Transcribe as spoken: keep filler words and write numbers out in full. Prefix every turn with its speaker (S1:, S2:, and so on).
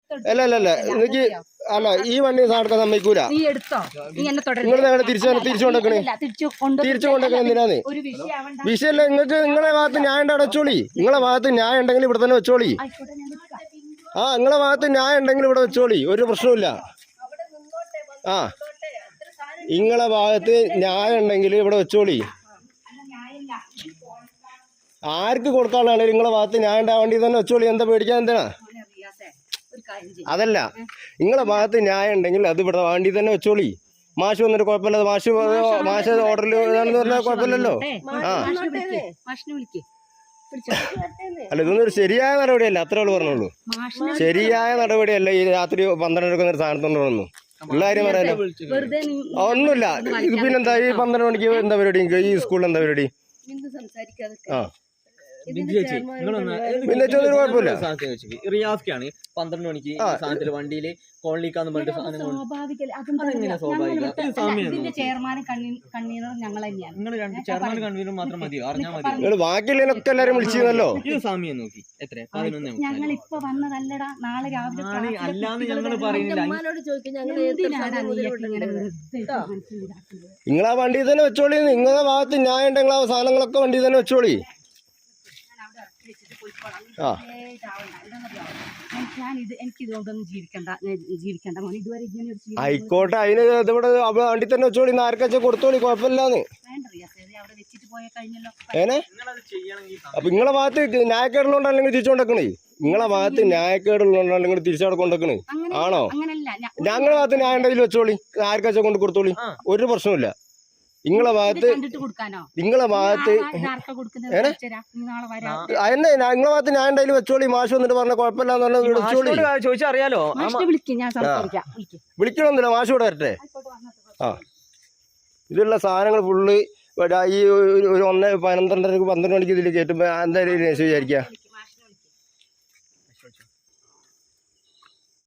S1: അല്ല അല്ല അല്ല എനിക്ക് അല്ല ഈ വണ്ടി സാധനം സമ്മതിക്കൂല. നിങ്ങൾ തിരിച്ചു തിരിച്ചു കൊണ്ടേക്കണേ തിരിച്ചു കൊണ്ടേക്കണേ എന്തിനാന്ന് വിഷയല്ല. നിങ്ങൾക്ക് നിങ്ങളെ ഭാഗത്ത് ന്യായം ഉണ്ട് അവിടെ വെച്ചോളി. നിങ്ങളെ ഭാഗത്ത് ന്യായം ഉണ്ടെങ്കിൽ ഇവിടെ തന്നെ വെച്ചോളി. ആ നിങ്ങളെ ഭാഗത്ത് ന്യായം ഉണ്ടെങ്കിൽ ഇവിടെ വെച്ചോളി, ഒരു പ്രശ്നമില്ല. ആ നിങ്ങളെ ഭാഗത്ത് ന്യായം ഉണ്ടെങ്കിൽ ഇവിടെ വെച്ചോളി. ആർക്ക് കൊടുക്കാനുള്ളതാണ് നിങ്ങളെ ഭാഗത്ത് ന്യായം ഉണ്ടാവാൻ വേണ്ടി തന്നെ വെച്ചോളി. എന്താ പേടിക്കാൻ എന്തിനാ? അതല്ല, നിങ്ങളെ ഭാഗത്ത് ന്യായം ഉണ്ടെങ്കിൽ അത് ഇവിടെ വേണ്ടി തന്നെ വെച്ചോളി. മാഷ് വന്നിട്ട് കുഴപ്പമില്ല, മാഷ് മാഷ് ഓർഡറിൽ പറഞ്ഞാൽ കുഴപ്പമില്ലല്ലോ. ആ അല്ല ഇതൊന്നും ഒരു ശരിയായ നടപടിയല്ല, അത്രേ ഉള്ളൂ പറഞ്ഞോളൂ. ശരിയായ നടപടിയല്ല ഈ രാത്രി പന്ത്രണ്ട് എടുക്കുന്ന ഒരു സാധനത്തോണ്ട് വന്നു ഉള്ള കാര്യം പറയാലോ. ഒന്നുമില്ല. ഇത് പിന്നെന്താ ഈ പന്ത്രണ്ട് മണിക്ക് എന്താ പരിപാടി? ഈ സ്കൂളിൽ എന്താ പരിപാടി? ആ പിന്നെ കുഴപ്പമില്ല.
S2: റിയാസ്ക്കാണ് പന്ത്രണ്ട് മണിക്ക് സാധനത്തില് വണ്ടിയില് കോളിക്കാന്ന് പറഞ്ഞിട്ട് സാധനം ചെയർമാൻ കൺവീനർ മാത്രം മതിയോ? അറിഞ്ഞാൽ മതി.
S1: ബാക്കിയുള്ളതിനൊക്കെ എല്ലാരും വിളിച്ചിരുന്നല്ലോ.
S2: ഇത് സമയം നോക്കി എത്ര പതിനൊന്ന് അല്ലാന്ന് ഞങ്ങള് പറയുന്നില്ല.
S1: നിങ്ങളാ വണ്ടി തന്നെ വെച്ചോളി. നിങ്ങളെ ഭാഗത്ത് ന്യായം ഉണ്ടെങ്കിൽ ആ സാധനങ്ങളൊക്കെ വണ്ടി തന്നെ വെച്ചോളി. ആ ആയിക്കോട്ടെ, അതിന് ഇതിവിടെ വണ്ടി തന്നെ വെച്ചോളി. ആർക്കാച്ചാ കൊടുത്തോളി, കുഴപ്പമില്ലാന്ന്. ഏനെ അപ്പൊ നിങ്ങളെ ഭാഗത്ത് ന്യായക്കേടുള്ളതുകൊണ്ടല്ലെങ്കിൽ തിരിച്ചുകൊണ്ടേക്കണേ. നിങ്ങളെ ഭാഗത്ത് ന്യായക്കേടുള്ളതുകൊണ്ടല്ലെങ്കിൽ തിരിച്ചവിടെ ആണോ? ഞങ്ങളെ ഭാഗത്ത് ന്യായം ഉണ്ടെങ്കിൽ വെച്ചോളി, ആർക്കാച്ചാ കൊണ്ട് കൊടുത്തോളി, ഒരു പ്രശ്നമില്ല. നിങ്ങളെ ഭാഗത്ത് നിങ്ങളെ ഭാഗത്ത് അതന്നെ നിങ്ങളെ ഭാഗത്ത് ഞാൻ ഉണ്ടായാലും വെച്ചോളി. മാഷ് വന്നിട്ട് പറഞ്ഞ കുഴപ്പമില്ലാന്ന് വെച്ചോളി.
S2: ചോദിച്ചറിയാലോ,
S1: വിളിക്കണമെന്നില്ല, മാഷ് ഇവിടെ വരട്ടെ. ആ ഇതിലുള്ള സാധനങ്ങൾ ഫുള്ള് ഈ ഒരു ഒന്ന് പന്ത്രണ്ടര പന്ത്രണ്ട് മണിക്ക് ഇതിൽ കയറ്റുമ്പോ എന്തായാലും വിചാരിക്കുക